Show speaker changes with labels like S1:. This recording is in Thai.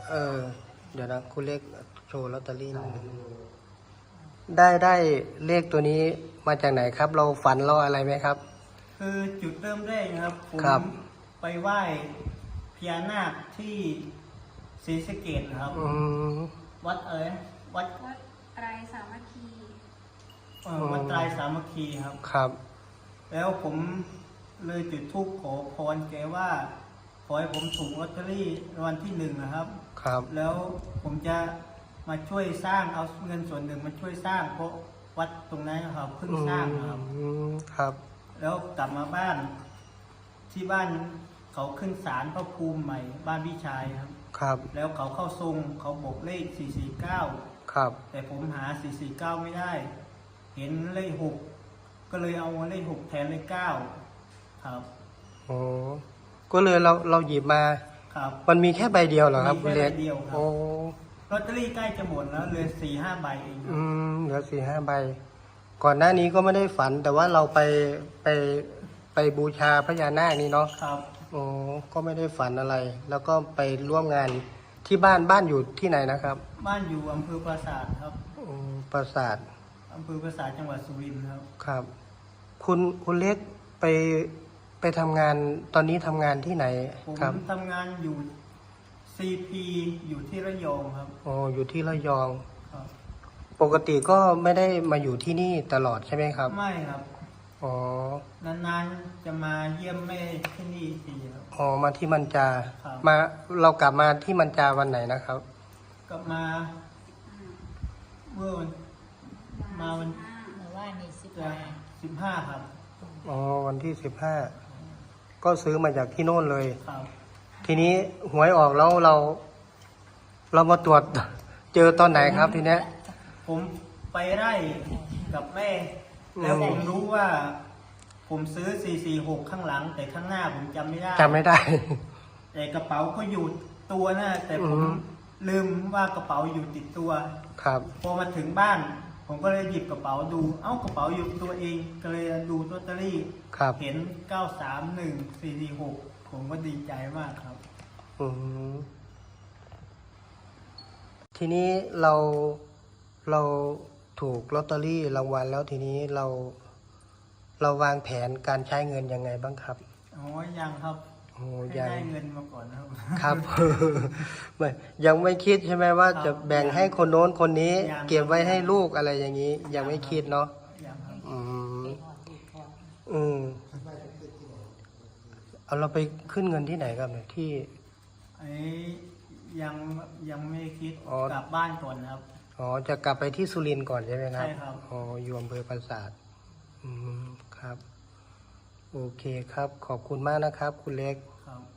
S1: เออเดี๋ยวนะคุณเลขโชว์ลอตเตอรี่นิดนึงได้เลขตัวนี้มาจากไหนครับ เราฝันเราอะไรไหมครับ
S2: คือจุดเริ่มแรกนะครับผม
S1: ครับ
S2: ไปไหว้พญานาคที่ศรีสะเกษนะครับ วัดวัด
S3: วัดไตรสามัคคี
S2: วัดไตรสามัคคีครับ
S1: ครับ
S2: แล้วผมเลยจุดธูปขอพรแกว่าขอให้ผมถูกลอตเตอรี่รางวัลที่1นะครับ
S1: ครับ
S2: แล้วผมจะมาช่วยสร้างเอาเงินส่วนหนึ่งมาช่วยสร้างเพราะวัดตรงนั้นครับเพิ่งสร้างครับ
S1: ครับ
S2: แล้วกลับมาบ้านที่บ้านเขาขึ้นศาลพระภูมิใหม่บ้านพี่ชายครับ
S1: ครับ
S2: แล้วเขาเข้าทรงเขาบอกเลข449
S1: ครับ
S2: แต่ผมหา449ไม่ได้ เห็นเลข6ก็เลยเอาเลข6แทนเลข9ครับ
S1: โอ้ก็เลยเราหยิบมา
S2: ครับ
S1: มันมีแค่ใบเดียวเหรอครับ
S2: มี
S1: คุณ
S2: แค่
S1: เล็ก
S2: ใบเดียวครับ
S1: โอ้
S2: ลอตเตอรี่ใกล้จะหมดแล้วเหลือ4-5ใบเองครับ
S1: เหลือ4-5 ใบ ก่อนหน้านี้ก็ไม่ได้ฝัน แต่ว่าเราไปบูชาพญานาคนี่เนาะ
S2: ครับ
S1: โอ้ก็ไม่ได้ฝันอะไร แล้วก็ไปร่วมงานที่บ้านอยู่ที่ไหนนะครับ
S2: บ้านอยู่อำเภอปราสาทครับ
S1: ปราสาท
S2: อำเภอปราสาทจังหวัดสุรินทร์ครับ
S1: ครับ คุณเล็กไปทำงานตอนนี้ทำงานที่ไหน
S2: ผม
S1: ครับ
S2: ทำงานอยู่ CP อยู่ที่ระยองครับ
S1: อ๋ออยู่ที่ระยอง
S2: ครับ
S1: ปกติก็ไม่ได้มาอยู่ที่นี่ตลอดใช่ไหมครับ
S2: ไม่ครับ
S1: อ๋อ
S2: นานๆจะมาเยี่ยมแม่ที่นี่ทีครับ
S1: อ๋อมาที่มันจา
S2: ครับ
S1: เรากลับมาที่มันจาวันไหนนะครับ
S2: กลับมาเมื่อวันมาวัน
S3: หรือว่านี่สิบ
S2: 15ครับ
S1: อ๋อวันที่15ก็ซื้อมาจากที่โน่นเลย
S2: ครับ
S1: ทีนี้หวยออกแล้วเรามาตรวจ เจอตอนไหนครับทีเนี้ย
S2: ผมไปไร่กับแม่ แล้วผมรู้ว่า ผมซื้อ446ข้างหลัง แต่ข้างหน้าผมจำไม่ได้
S1: จำไม่ได้
S2: แต่กระเป๋าก็อยู่ตัวนะแต่ผม
S1: อืม
S2: ลืมว่ากระเป๋าอยู่ติดตัว
S1: ครับ
S2: พอมาถึงบ้าน ผมก็เลยหยิบกระเป๋าดู เอ้ากระเป๋าอยู่ตัวเอง ก็เลยดูลอตเตอรี่
S1: ครับ
S2: เห็น 931446 ผมก็ดีใจมากครับ
S1: อืมทีนี้เราถูกลอตเตอรี่รางวัลแล้วทีนี้เราวางแผนการใช้เงินยังไงบ้างครับ
S2: อ๋อ ยังครับ
S1: โอ้
S2: ให้
S1: ยัง
S2: ได้เงินมาก่อนนะครับ
S1: ครับ ไม่ยังไม่คิดใช่ไหมว่า
S2: ครับ
S1: จะแบ่งให้คนโน้นคนนี้
S2: ยัง
S1: เก็บไว้ให้ลูกอะไรอย่างนี้ ยังไม่คิดเนาะ
S2: ยังครับ
S1: อืมเอาเราไปขึ้นเงินที่ไหนครับเนี่ยที่
S2: ไอ้ยังไม่คิด
S1: อ๋อ
S2: กลับบ้านก่อนครับ
S1: อ๋อจะกลับไปที่สุรินทร์ก่อนใช่ไหมครับ
S2: ใช่ครับ
S1: อ๋ออยู่อำเภอปราสาทครับ โอเคครับ ขอบคุณมากนะครับ คุณเล็ก
S2: ครับ